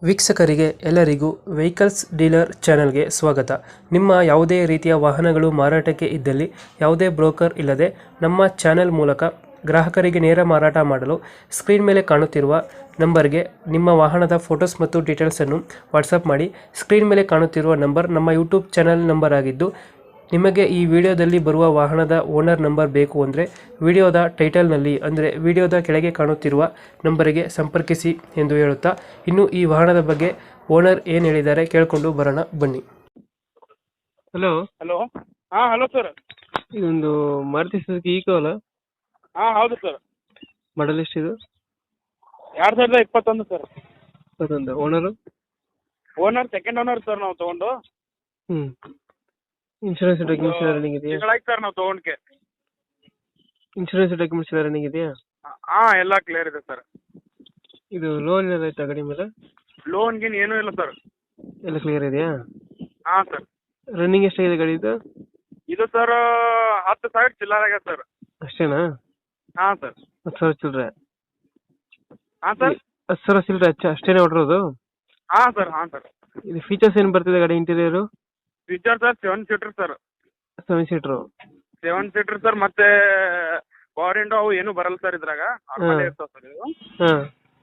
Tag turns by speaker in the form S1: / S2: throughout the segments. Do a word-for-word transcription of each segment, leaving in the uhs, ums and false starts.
S1: ವೀಕ್ಷಕರಿಗೆ ಎಲ್ಲರಿಗೂ vehicles dealer ಚಾನೆಲ್ಗೆ ಸ್ವಾಗತ. ನಿಮ್ಮ ಯಾವುದೇ ರೀತಿಯ ವಾಹನಗಳು ಮಾರಾಟಕ್ಕೆ ಇದ್ದಲ್ಲಿ ಯಾವುದೇ ಬ್ರೋಕರ್ ಇಲ್ಲದೆ ನಮ್ಮ ಚಾನೆಲ್ ಮೂಲಕ ಗ್ರಾಹಕರಿಗೆ ನೇರ ಮಾರಾಟ ಮಾಡಲು ಸ್ಕ್ರೀನ್ ಮೇಲೆ ಕಾಣುತ್ತಿರುವ ನಂಬರ್ಗೆ ನಿಮ್ಮ ವಾಹನದ ಫೋಟೋಸ್ ಮತ್ತು ಡೀಟೇಲ್ಸನ್ನು ವಾಟ್ಸಪ್ ಮಾಡಿ. ಸ್ಕ್ರೀನ್ ಮೇಲೆ ಕಾಣುತ್ತಿರುವ ನಂಬರ್ ನಮ್ಮ ಯೂಟ್ಯೂಬ್ ಚಾನೆಲ್ ನಂಬರ್ ಆಗಿದ್ದು, ನಿಮಗೆ ಈ ವಿಡಿಯೋದಲ್ಲಿ ಬರುವ ವಾಹನದ ಓನರ್ ನಂಬರ್ ಬೇಕು ಅಂದರೆ ವಿಡಿಯೋದ ಟೈಟಲ್ನಲ್ಲಿ ಅಂದರೆ ವಿಡಿಯೋದ ಕೆಳಗೆ ಕಾಣುತ್ತಿರುವ ನಂಬರಿಗೆ ಸಂಪರ್ಕಿಸಿ ಎಂದು ಹೇಳುತ್ತಾ, ಇನ್ನು ಈ ವಾಹನದ ಬಗ್ಗೆ ಓನರ್ ಏನು ಹೇಳಿದ್ದಾರೆ ಕೇಳಿಕೊಂಡು ಬರೋಣ ಬನ್ನಿ. ಹಲೋ
S2: ಹಲೋ ಹಾಂ ಹಲೋ ಸರ್.
S1: ಇದೊಂದು ಮಾರುತಿ ಸುಜುಕಿ ಈಕೋ ಅಲ್ಲ?
S2: ಹಾಂ ಹೌದು ಸರ್.
S1: ಮಾಡಲ್ ಎಷ್ಟಿದು?
S2: ಎರಡು ಸಾವಿರದ ಇಪ್ಪತ್ತೊಂದು ಸರ್.
S1: ಇಪ್ಪತ್ತೊಂದು. Owner?
S2: Owner second owner sir ನಾವು ತೊಗೊಂಡು.
S1: ಹ್ಞೂ. ಇನ್ಶೂರೆನ್ಸ್ ಡಾಕ್ಯುಮೆಂಟ್ಸ್ ಎಲ್ಲ ರನ್ನಿಂಗ್ ಇದೆಯಾ?
S2: ತಿಂಗಳಾಯ್ತು ಸರ್ ನಾವು ತೊಗೊಂಡ್ಕೆ.
S1: ಇನ್ಶೂರೆನ್ಸ್ ಡಾಕ್ಯುಮೆಂಟ್ಸ್ ಎಲ್ಲ ರನ್ನಿಂಗ್ ಇದೆಯಾ?
S2: ಹಾಂ ಎಲ್ಲ ಕ್ಲಿಯರ್ ಇದೆ ಸರ್.
S1: ಇದು ಲೋನ್ ಏನಾದ್ರು ಆಯ್ತಾ ಗಾಡಿ ಮೇಲೆ?
S2: ಲೋನ್ ಗೀನ್ ಏನೂ ಇಲ್ಲ ಸರ್.
S1: ಎಲ್ಲ ಕ್ಲಿಯರ್ ಇದೆಯಾ?
S2: ಹಾಂ ಸರ್.
S1: ರನ್ನಿಂಗ್ ಎಷ್ಟಾಗಿದೆ ಗಾಡಿ ಇದು?
S2: ಇದು ಸರ್ ಹತ್ತು ಸಾವಿರ ಚಿಲ್ಲರ್ ಆಗ್ಯದ ಸರ್.
S1: ಅಷ್ಟೇನಾ?
S2: ಹಾಂ ಸರ್.
S1: ಹತ್ತು ಸಾವಿರ ಚಿಲ್ಲರೆ?
S2: ಹಾಂ ಸರ್.
S1: ಹತ್ತು ಸಾವಿರ ಚಿಲ್ಲರೆ ಅಚ್ಚ ಅಷ್ಟೇನೇ ಹೊಡ್ರೋದು?
S2: ಹಾಂ ಸರ್ ಹಾಂ ಸರ್.
S1: ಇದು ಫೀಚರ್ಸ್ ಏನು ಬರ್ತಿದೆ ಗಾಡಿ interior?
S2: Feature sir seven seater sir.
S1: Seven seater?
S2: Seven seater sir. ಮತ್ತೆ ಪವರ್ ವಿಂಡೋ ಅವು ಏನೂ ಬರಲ್ಲ ಸರ್ ಇದ್ರಾಗ. ನಾರ್ಮಲ್ ಇರ್ತಾವೆ ಸರ್ ಇದು.
S1: ಹಾಂ.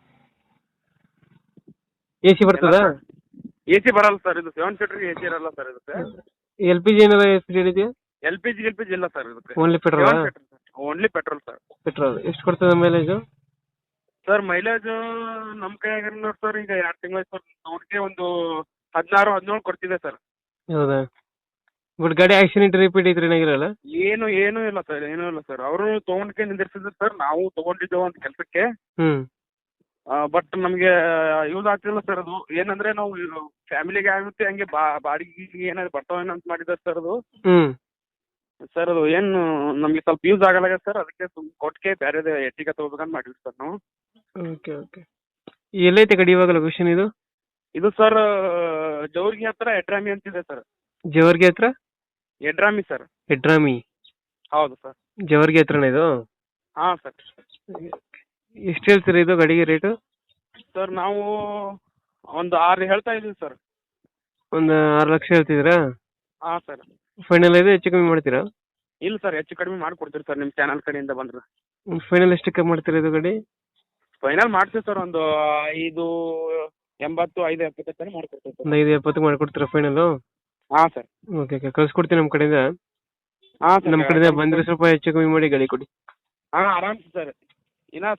S1: ಎ ಸಿ ಬರ್ತದಾ?
S2: ಎ ಸಿ ಬರಲ್ಲ ಸರ್. ಇದು ಸೆವೆನ್ ಸೀಟರ್ ಎ ಸಿ ಇರಲ್ಲ ಸರ್ ಇದಕ್ಕೆ.
S1: ಎಲ್ ಪಿ ಜಿ ಏನಾರ ಫಿಟೆಡ್ ಇದೆಯಾ?
S2: L P G L P G ಇಲ್ಲ ಸರ್ ಇದಕ್ಕೆ.
S1: Only petrol?
S2: Only petrol sir.
S1: Petrol ಎಷ್ಟು ಕೊಡ್ತದೆ ಮೈಲೇಜು?
S2: ಸರ್ ಮೈಲೇಜ್ ನಮ್ಮ ಕೈಯಾಗ ನೋಡಿ ಸರ್, ಈಗ ಎರಡು ತಿಂಗಳು ಸರ್ ಅವ್ರಿಗೆ ಒಂದು ಹದಿನಾರು ಹದಿನೇಳು ಕೊಡ್ತಿದೆ ಸರ್.
S1: ಹೌದಾ? ಬಟ್ ಗಾಡಿ ಆಕ್ಸಿಡೆಂಟ್ ರಿಪೀಟ್ ಐತ್ರಿ ಏನಾಗಿರಲ್ಲ?
S2: ಏನು ಏನೂ ಇಲ್ಲ ಸರ್, ಏನೂ ಇಲ್ಲ ಸರ್. ಅವರು ತೊಗೊಂಡ್ಕೆ ನಿಂದಿರ್ಸಿದ್ರು ಸರ್, ನಾವು ತೊಗೊಂಡಿದ್ದೇವೆ ಒಂದು ಕೆಲಸಕ್ಕೆ.
S1: ಹ್ಞೂ.
S2: ಬಟ್ ನಮಗೆ ಯೂಸ್ ಆಗ್ತಿಲ್ಲ ಸರ್. ಅದು ಏನಂದ್ರೆ ನಾವು ಫ್ಯಾಮಿಲಿಗೆ ಆಗುತ್ತೆ ಹಂಗೆ ಬಾ ಬಾಡಿಗೆ ಏನಾದ್ರು ಬರ್ತಾವೇನೋ ಅಂತ ಮಾಡಿದ್ದಾರೆ ಸರ್ ಅದು.
S1: ಹ್ಞೂ.
S2: ಸರ್ ಅದು ಏನು ನಮಗೆ ಸ್ವಲ್ಪ ಯೂಸ್ ಆಗಲ್ಲ ಸರ್, ಅದಕ್ಕೆ ಸುಮ್ ಕೊಟ್ಟಿಗೆ ಬೇರೆ ಎಟ್ಟಿಗೆ ತೊಗೋಬೇಕಂತ ಮಾಡಿದ್ವಿ ಸರ್ ನಾವು.
S1: Okay okay. ಎಲ್ಲೈತೆ ಗಾಡಿ ಇವಾಗ ಲೊಕೇಶನ್ ಇದು?
S2: ಇದು ಸರ್ ಜೌರ್ಗಿ ಹತ್ರ ಎಡ್ರಾಮಿ ಅಂತಿದೆ ಸರ್.
S1: ಜವರ್ಗಿ ಹತ್ರ?
S2: ಎಡ್ರಾಮಿ ಸರ್.
S1: ಎಡ್ರಾಮಿ?
S2: ಹೌದು ಸರ್.
S1: ಜವರ್ಗಿ ಹತ್ರನೇ ಇದು?
S2: ಹಾಂ ಸರ್.
S1: ಎಷ್ಟು ಹೇಳ್ತೀರಾ ಇದು ಗಾಡಿಗೆ ರೇಟು?
S2: ಸರ್ ನಾವು ಒಂದು ಆರು ಹೇಳ್ತಾ ಇದ್ದೀವಿ ಸರ್.
S1: ಒಂದು ಆರು ಲಕ್ಷ ಹೇಳ್ತಿದ್ದೀರಾ?
S2: ಹಾಂ ಸರ್.
S1: ಫೈನಲ್ ಇದೆ, ಹೆಚ್ಚು ಕಮ್ಮಿ ಮಾಡ್ತೀರಾ?
S2: ಇಲ್ಲ ಸರ್, ಹೆಚ್ಚು ಕಡಿಮೆ ಮಾಡಿಕೊಡ್ತೀವಿ ಸರ್ ನಿಮ್ಮ ಚಾನಲ್ ಕಡೆಯಿಂದ ಬಂದ್ರೆ.
S1: ಫೈನಲ್ ಎಷ್ಟಕ್ಕೆ ಮಾಡ್ತೀರಾ ಇದು ಗಾಡಿ?
S2: ಫೈನಲ್ ಮಾಡ್ತೀವಿ ಸರ್, ಒಂದು ಐದು ಎಂಬತ್ತು ಐದು ಎಪ್ಪತ್ತು ತನಕ ಮಾಡ್ಕೊಡ್ತೀವಿ ಸರ್.
S1: ಒಂದು ಐದು ಎಪ್ಪತ್ತು ಮಾಡಿಕೊಡ್ತೀರಾ ಫೈನಲು?
S2: ಹಾಂ ಸರ್.
S1: ಓಕೆ ಓಕೆ, ಕಳ್ಸ್ಕೊಡ್ತೀನಿ ನಮ್ಮ ಕಡೆಯಿಂದ.
S2: ಹಾಂ ಸರ್.
S1: ನಮ್ಮ ಕಡೆಯಿಂದ ಬಂದರೆ ಸ್ವಲ್ಪ ಹೆಚ್ಚು ಕಮ್ಮಿ ಮಾಡಿ ಗಾಡಿ ಕೊಡಿ.
S2: ಹಾಂ ಆರಾಮ್ ಸರ್. ಇನ್ನ